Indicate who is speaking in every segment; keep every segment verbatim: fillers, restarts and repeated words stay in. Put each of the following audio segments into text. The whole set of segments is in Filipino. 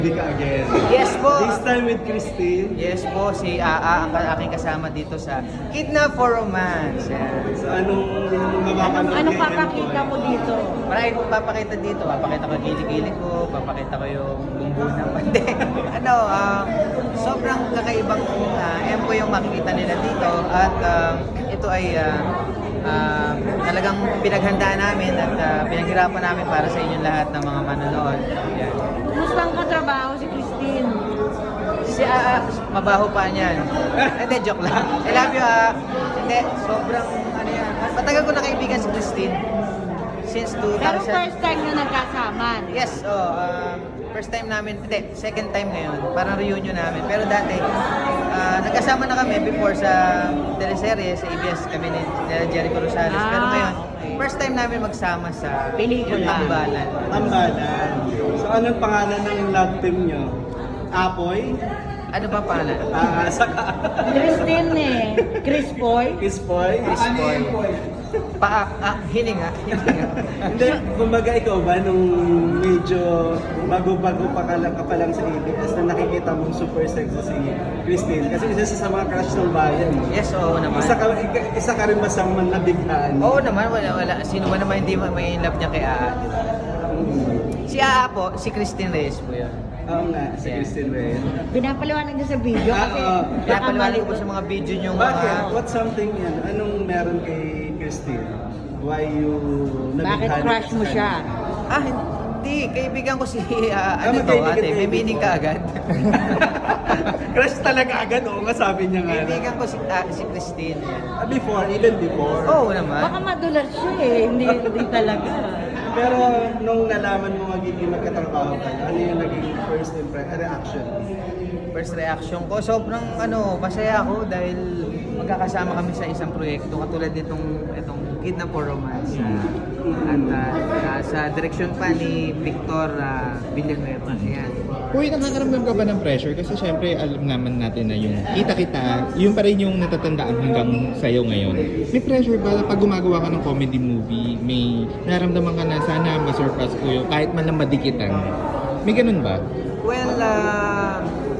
Speaker 1: Hindi ka again.
Speaker 2: Yes po.
Speaker 1: This time with Christine.
Speaker 2: Yes po, si Aa ang aking kasama dito sa Kidnap for Romance. Yan.
Speaker 1: So anong
Speaker 3: Anong,
Speaker 1: mapapanood
Speaker 3: anong
Speaker 1: kay
Speaker 3: papakita
Speaker 1: Empoy?
Speaker 3: mo dito?
Speaker 2: Marami kong papakita dito. Papakita ko yung kilikili ko, papakita ko yung bumbu ng pande. ano, um, sobrang kakaibang uh, Empoy yung makikita nila dito. At um, ito ay uh, uh, talagang pinaghandaan namin at uh, pinaghirapan namin para sa inyong lahat ng mga manonood. Yan.
Speaker 3: Kumusta ang katrabaho si Christine?
Speaker 2: Si Aa, mabaho pa niyan. Hindi, joke lang. I love you, Aa. Hindi, sobrang, ano yan. Matagal ko na kaibigan si Christine. Since two
Speaker 3: Pero
Speaker 2: thousand.
Speaker 3: first time na nagkasama.
Speaker 2: Yes, oh, um, first time namin, hindi, second time ngayon. Parang reunion namin. Pero dati, ah, nagkasama na kami before sa teleserye, sa A B S kami ni ni Jericho Rosales.
Speaker 3: Ah,
Speaker 2: Pero ngayon,
Speaker 3: okay.
Speaker 2: first time namin magsama sa
Speaker 3: Pelikula.
Speaker 2: Tambalan.
Speaker 1: Tambalan. So anong pangalan ng love team nyo? Apoy?
Speaker 2: Ano ba pangalan?
Speaker 1: Ah, saka
Speaker 3: Christine eh. Chris Boy.
Speaker 1: Kispoy?
Speaker 2: Chris Boy. Pa, ah, hininga, hininga.
Speaker 1: Hindi, kumbaga ikaw ba nung medyo bago-bago pa ka lang, ka pa lang sa A B S na nakikita mong super sexy si Christine? Kasi isa sa mga crush ng bayan. eh.
Speaker 2: Yes, oo naman.
Speaker 1: Isa ka, isa ka rin masang nabighaan.
Speaker 2: Oo naman, wala, wala. Sino ba naman hindi may love niya kay Aa, di ba?
Speaker 1: Mm.
Speaker 2: Si Aa po, si Christine Reyes po yun.
Speaker 1: Oo nga, si
Speaker 2: Yeah.
Speaker 1: Christine Reyes.
Speaker 3: Pinapaliwanag niya sa video
Speaker 1: Ah,
Speaker 3: kasi
Speaker 1: oo.
Speaker 2: Pinapaliwanag ko sa mga video niyo
Speaker 1: Bakit?
Speaker 2: mga...
Speaker 1: What's something yan? Anong meron kay Christine? Why you
Speaker 3: Bakit
Speaker 1: nabighaan
Speaker 3: crush
Speaker 1: ka
Speaker 3: mo
Speaker 1: sa
Speaker 3: siya?
Speaker 2: Ah, hindi. Kaibigan ko si... ah,
Speaker 1: Ah,
Speaker 2: ano to,
Speaker 1: magkaibigan
Speaker 2: ate?
Speaker 1: kayo
Speaker 2: May meaning
Speaker 1: before?
Speaker 2: ka agad.
Speaker 1: Crush talaga agad, oo nga sabi niya nga.
Speaker 2: Kaibigan ko si, ah, si Christine.
Speaker 1: Ah, before, even before.
Speaker 2: Oo naman.
Speaker 3: Baka madulas siya eh. Hindi, hindi talaga.
Speaker 1: Pero nung nalaman mo magiging magkatrabaho kayo, ano yung naging first impression, reaction?
Speaker 2: First reaction ko, sobrang ano, masaya ako dahil magkakasama kami sa isang proyekto katulad nitong itong Kidnap for Romance. Ah, at ah, ah, sa direksyon pa ni Victor uh, Villanueva. Ayan.
Speaker 4: Uy, nakakaramdam ka ba ng pressure? Kasi syempre, alam naman natin na yung kita-kita, yun pa rin yung natatandaan hanggang sa'yo ngayon. May pressure ba pag gumagawa ka ng comedy movie, may naramdaman ka na sana masurpass ko yung kahit man lang madikitan? May ganun ba?
Speaker 2: Well, uh,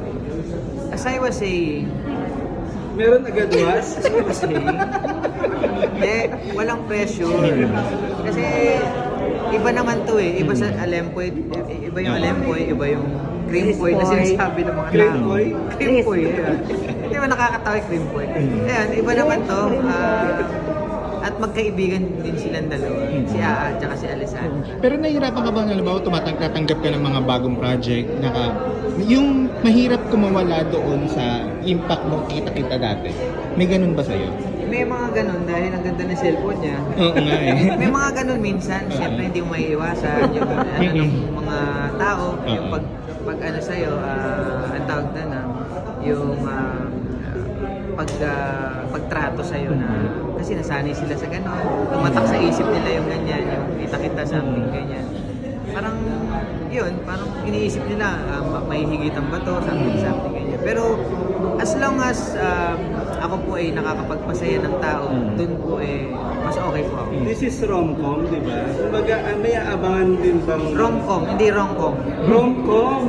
Speaker 2: as I was saying,
Speaker 1: Meron agad was?
Speaker 2: as I was saying, hindi, walang pressure. Kasi iba naman to eh. Iba sa Alempoy, iba yung Alempoy, iba yung Creampoy na sinasabi ng mga tao.
Speaker 1: Creampoy?
Speaker 2: Creampoy, yeah. Hindi ba nakakatawa yung Creampoy? Ayan, iba naman to. ah, at magkaibigan din silang dalawa. Si Aa at saka si Alessandra.
Speaker 4: Pero nahihirapan ka ba na ba tumatanggap ka ng mga bagong project? Naka, yung mahirap kumawala doon sa impact mo kita-kita dati. May ganun ba sa'yo?
Speaker 2: May mga ganun dahil ang ganda ng cellphone niya.
Speaker 4: Oo nga eh.
Speaker 2: May mga ganun minsan, siyempre hindi mo maiiwasan yung ano ng mga tao, yung pag pag ano sa'yo, ah, ang tawag na na, yung ah, pag ah, pagtrato sa'yo na kasi nasanay sila sa ganun, tumatak sa isip nila yung ganyan, yung kita-kita something ganyan. Parang yun, parang iniisip nila, ah, ma- may higitan ba to, something something ganyan. Pero as long as um, ako po ay nakakapagpasaya ng tao, dun po eh, mas okay po ako.
Speaker 1: This is rom-com, di ba? Kumbaga, ah, may aabangan din bang...
Speaker 2: Rom-com, hindi rom-com.
Speaker 1: Rom-com!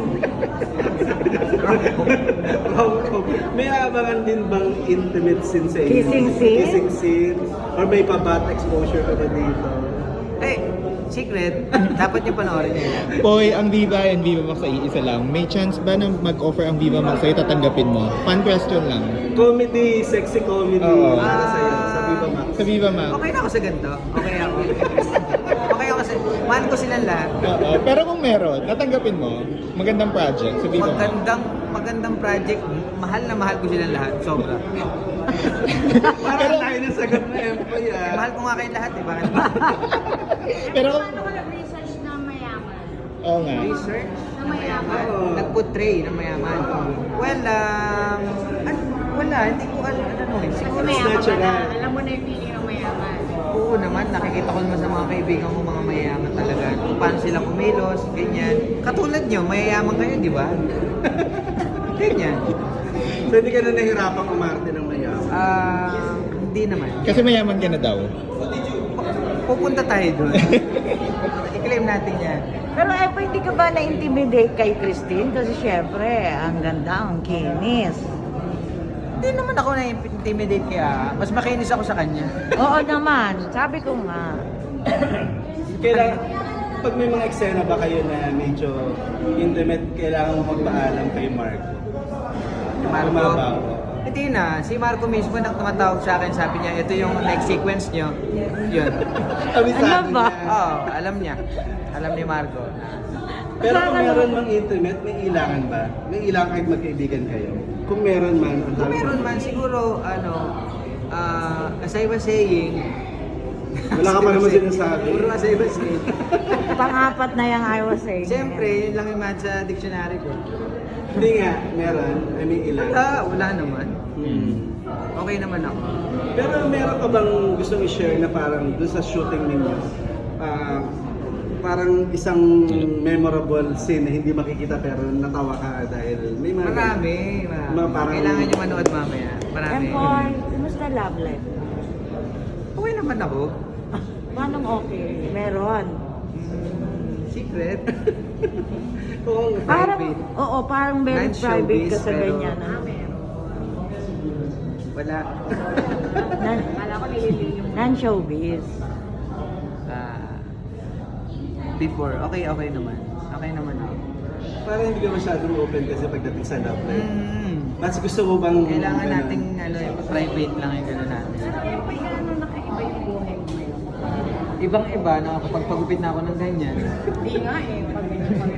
Speaker 1: Rom-com. May aabangan din bang intimate scene sa inyo?
Speaker 3: Kissing scene?
Speaker 1: Kissing scene? Or may pabat exposure ka ba dito?
Speaker 2: Eh, secret, dapat niyo panoorin niyo yan.
Speaker 4: Poy, ang Viva and Viva Max ay isa lang. May chance ba na mag-offer ang Viva Max sa'yo, tatanggapin mo? Fun question lang.
Speaker 1: Comedy, sexy comedy.
Speaker 4: Oo.
Speaker 1: Para sa'yo, sa Viva Max.
Speaker 4: Sa Viva Max.
Speaker 2: Okay na ako sa ganito. Okay ako. Okay ako sa... Mahal ko silang lahat.
Speaker 4: Oo. Pero kung meron, tatanggapin mo, magandang project sa Viva Max.
Speaker 2: Magandang, magandang project. Mahal na mahal ko silang lahat. Sobra.
Speaker 1: Parang tayo na sagot na Empoy
Speaker 2: Eh,
Speaker 1: ah.
Speaker 2: mahal ko nga kayong lahat, eh. Bakit?
Speaker 4: Pero,
Speaker 5: Paano ko nag-research na mayaman?
Speaker 4: oo nga.
Speaker 2: Research na mayaman.
Speaker 1: Oo.
Speaker 2: Nag-portray ng mayaman. Well, um... an- wala, hindi ko alam. Ano, eh.
Speaker 5: Kasi
Speaker 2: Siguro,
Speaker 5: mayaman ka na.
Speaker 1: natural.
Speaker 5: Alam mo na yung feeling ng mayaman.
Speaker 2: oo naman, nakikita ko naman sa mga kaibigan ko, mga mayayaman talaga. Kung paano sila kumilos, ganyan. Katulad nyo, mayayaman kayo, di ba? Ganyan.
Speaker 1: So hindi ka na nahirapang umarte ng mayaman.
Speaker 2: Ah, hindi naman.
Speaker 4: Kasi mayaman ka na daw.
Speaker 2: Pupunta tayo doon. Ikli, time natin yan.
Speaker 3: Pero eh, pa, hindi ka ba na-intimidate kay Christine? Kasi syempre, ang ganda, ang kinis.
Speaker 2: Hindi naman ako na-intimidate kaya. Mas makinis ako sa kanya.
Speaker 3: Oo naman, sabi ko nga.
Speaker 1: Kailangan, pag may mga eksena ba kayo na medyo intimate, kailangan mo magpaalam kay Marco?
Speaker 2: Marco?
Speaker 1: Lumabaw.
Speaker 2: Hindi na. Si Marco mismo nang tumatawag sa akin, sabi niya, ito yung next sequence niyo. Yun.
Speaker 1: Kabisado
Speaker 3: Ano ba?
Speaker 1: niya.
Speaker 2: Oo, alam niya. Alam ni Marco.
Speaker 1: Pero kung meron mang intimate, may ilangan ba? May ilangan kahit magkaibigan kayo? Kung meron man, ang
Speaker 2: Kung
Speaker 1: dami-
Speaker 2: meron man, siguro, ano, ah, as I was saying,
Speaker 1: Wala ka pa naman sinasabi.
Speaker 2: Puro as I was saying.
Speaker 3: Pang-apat na yung I was saying.
Speaker 2: Siyempre, yun lang yung match sa dictionary ko.
Speaker 1: Hindi nga, meron. I mean, ilan.
Speaker 2: Wala, wala naman.
Speaker 1: Hmm.
Speaker 2: Okay naman ako.
Speaker 1: Pero meron ka bang gustong i-share na parang doon sa shooting ninyo? ah, parang isang memorable scene na hindi makikita pero natawa ka dahil may mga...
Speaker 2: Marami, marami.
Speaker 1: Mga parang-
Speaker 2: Kailangan nyo manood mamaya. Marami.
Speaker 3: Empoy, kumusta love life?
Speaker 2: Okay naman ako.
Speaker 3: Paano okay? Meron.
Speaker 2: Mm, secret.
Speaker 1: Oo,
Speaker 3: Parang,
Speaker 2: Private.
Speaker 3: oo, parang very
Speaker 2: Non-showbiz,
Speaker 3: private ka sa
Speaker 2: pero-
Speaker 3: ganyan. ah.
Speaker 2: Wala.
Speaker 3: Non,
Speaker 5: Kala ko nililiyo.
Speaker 3: non-showbiz.
Speaker 2: Ah, before, okay, okay naman. Okay naman ako.
Speaker 1: parang hindi ka masyadong open kasi pagdating sa love life.
Speaker 2: Mm,
Speaker 1: Mas gusto mo bang...
Speaker 2: kailangan
Speaker 1: ganun?
Speaker 2: nating ano, private lang yung gano'n natin.
Speaker 5: Pero pag ano nakaiba yung buhay mo ngayon.
Speaker 2: Ibang-iba, nakakapagpagupit na ako ng ganyan.
Speaker 5: Hindi nga eh. Pag ganyan pag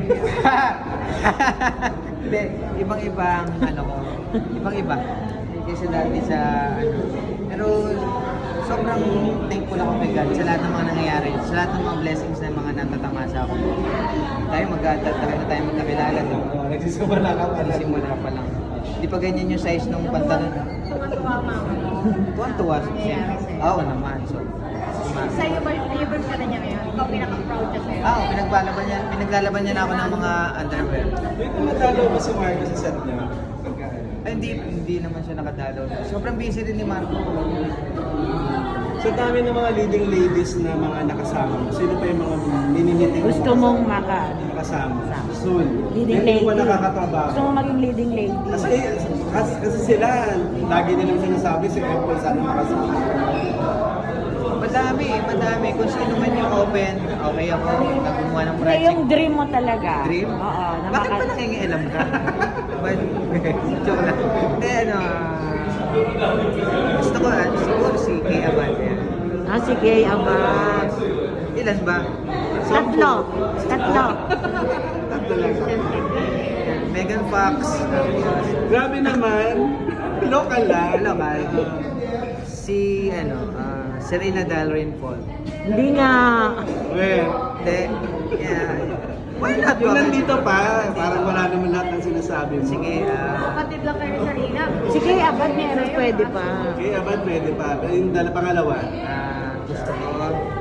Speaker 2: Hindi, ibang-iba ang ano ko. Ibang-iba. Kaysa dati sa ano. Pero sobrang thankful ako kay God sa lahat ng mga nangyayari. Sa lahat ng mga blessings na mga natatamasa ako. Tayo magkatagal na tayo magkakilala. No?
Speaker 1: Oo, nagsisimula ka pa lang.
Speaker 2: Simula pa lang. Hindi pa ganyan yung size ng pantalon.
Speaker 5: tuwa mama.
Speaker 2: Tuwan-tuwa.
Speaker 5: Nangyayari sa'yo.
Speaker 2: Oo naman. So,
Speaker 5: Sa'yo ba, favorite ka na niya ngayon? Ikaw pinaka-proud ka sa'yo?
Speaker 2: Ah, pinaglalaban niya, pinaglalaban niya na ako ng mga underwear.
Speaker 1: Wait, tumatalo ba si Marco sa set niya? Pagka,
Speaker 2: Ay, hindi, hindi naman siya nakadalaw. Sobrang busy rin ni Marco.
Speaker 1: Sa dami ng mga leading ladies na mga nakasama mo, sino pa yung mga minimiting
Speaker 3: Gusto mong maka
Speaker 1: makasama? Soon.
Speaker 3: leading
Speaker 1: Hindi
Speaker 3: lady.
Speaker 1: pa nakakatrabaho.
Speaker 3: Gusto mong maging leading lady.
Speaker 1: Kasi, kasi, kasi sila, lagi nilang sinasabi si Apple sana makasama.
Speaker 2: Madami, madami. Kung sino man yung open, okay ako. Nagumuha ng
Speaker 3: Hindi,
Speaker 2: project.
Speaker 3: yung dream mo talaga.
Speaker 2: Dream?
Speaker 3: Oo. na
Speaker 2: Bakit
Speaker 3: maka-
Speaker 2: ba nangingialam ka? But, joke lang. Hindi, ano, ah, gusto ko, ah, siguro si Kay Abad. yan.
Speaker 3: Ah, si Gay Abad.
Speaker 2: Ilan ba?
Speaker 3: Tatlo. Tatlo.
Speaker 1: Tatlo lang.
Speaker 2: Megan Fox.
Speaker 1: Grabe naman. Local lang.
Speaker 2: Ano ba? Si, ano, ah, Serena Dalrymple Paul.
Speaker 3: Hindi nga.
Speaker 1: Well,
Speaker 2: Hindi. Yeah. Why not?
Speaker 1: yung
Speaker 2: Bakit?
Speaker 1: nandito pa, parang wala naman lahat ng sinasabi mo.
Speaker 2: Sige, ah,
Speaker 5: Kapatid lang kayo sa Rina.
Speaker 3: Si Gay Abad meron pwede pa.
Speaker 1: Okay, abad pwede pa. Pero yung dala pangalawa,
Speaker 2: ah, gusto ko.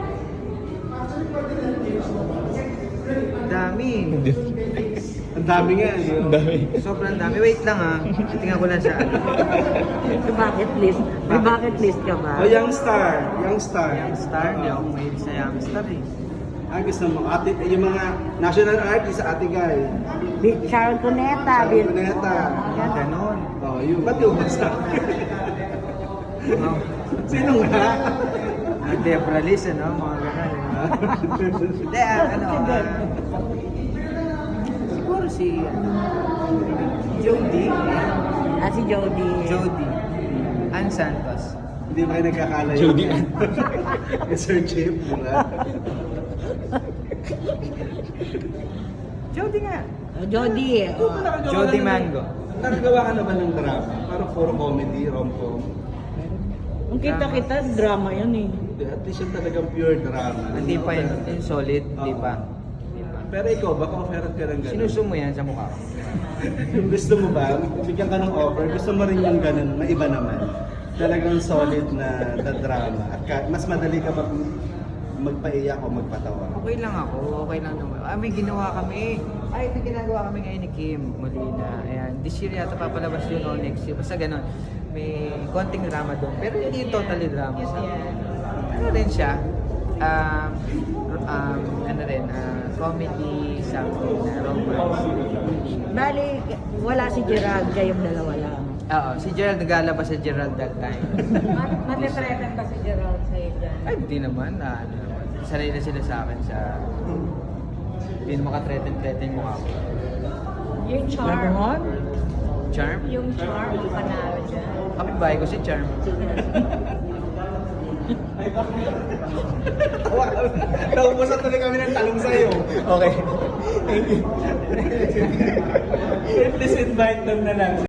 Speaker 2: Dami.
Speaker 1: ang dami nga. di ba?
Speaker 4: Ang dami.
Speaker 2: Sobrang dami. Wait lang ah. Tingnan ko lang sa
Speaker 3: Sa bucket list. May bucket list ka ba?
Speaker 1: O, young star. Young star.
Speaker 2: Young Star. Hindi ako mahilig sa Young Star eh.
Speaker 1: Ah, gusto mo. Ate, yung mga national artist, ate guy.
Speaker 3: Bi- Sharon Cuneta.
Speaker 1: Sharon
Speaker 3: Bill-
Speaker 1: Cuneta.
Speaker 2: Yan, ganon.
Speaker 1: Oh, yung ba't yung basta?
Speaker 2: Oh.
Speaker 1: Sino nga?
Speaker 2: Ah, Debra Liz, ano? Mga ganon. eh. Hindi, ah, ano, ah, siguro si, ano, Jody.
Speaker 3: Ah, si Jody.
Speaker 2: Jody. Ann Santos.
Speaker 1: Hindi ba kayo nagkakala yun?
Speaker 4: Jody.
Speaker 1: Sir Chip, di ba?
Speaker 2: Jody nga.
Speaker 3: Ah, Jody. eh.
Speaker 1: Ikaw ba
Speaker 3: Oh.
Speaker 1: nakagawa
Speaker 2: Jody
Speaker 1: ka ng-
Speaker 2: Mango.
Speaker 1: Nakagawa ka naman ng drama. Parang puro comedy, rom-com.
Speaker 3: Kung kita-kita, drama yun eh.
Speaker 1: Hindi, At least yung talagang pure drama.
Speaker 2: Hindi pa yun. Yung solid, hindi pa. Hindi pa.
Speaker 1: Pero ikaw, baka offered ka ng gano'n.
Speaker 2: Sinusumo yan sa mukha ko.
Speaker 1: Yung gusto mo ba, bigyan ka ng offer, gusto mo rin yung ganun, na iba naman. Talagang solid na, na drama. At ka, mas madali ka ba magpaiyak o magpatawa?
Speaker 2: Okay lang ako, okay lang naman. Ah, may ginawa kami. Ay, may ginagawa kami ngayon ni Kim Molina. Ayan, this year yata papalabas yun o next year. Basta ganun. May konting drama doon. Pero hindi totally drama. So, ano rin siya? um, um, ano rin, ah, comedy, something na romance.
Speaker 3: Bali, wala si Gerald, kayong dalawa lang.
Speaker 2: Oo, si Gerald naglalabas sa Gerald that time.
Speaker 5: Matitretan ba si Gerald sa'yo dyan?
Speaker 2: Ay, hindi naman. Ah, ano naman. Sanay na sila sa akin sa... Hindi na makatreten-treten mo ako.
Speaker 5: Yung charm.
Speaker 3: Ganon?
Speaker 2: Charm?
Speaker 5: Yung charm, panalo dyan.
Speaker 2: Kapitbahay ko si Charm.
Speaker 1: Naubusan tuloy kami ng talong sa'yo.
Speaker 4: Okay. Thank you.
Speaker 1: Please invite them na lang.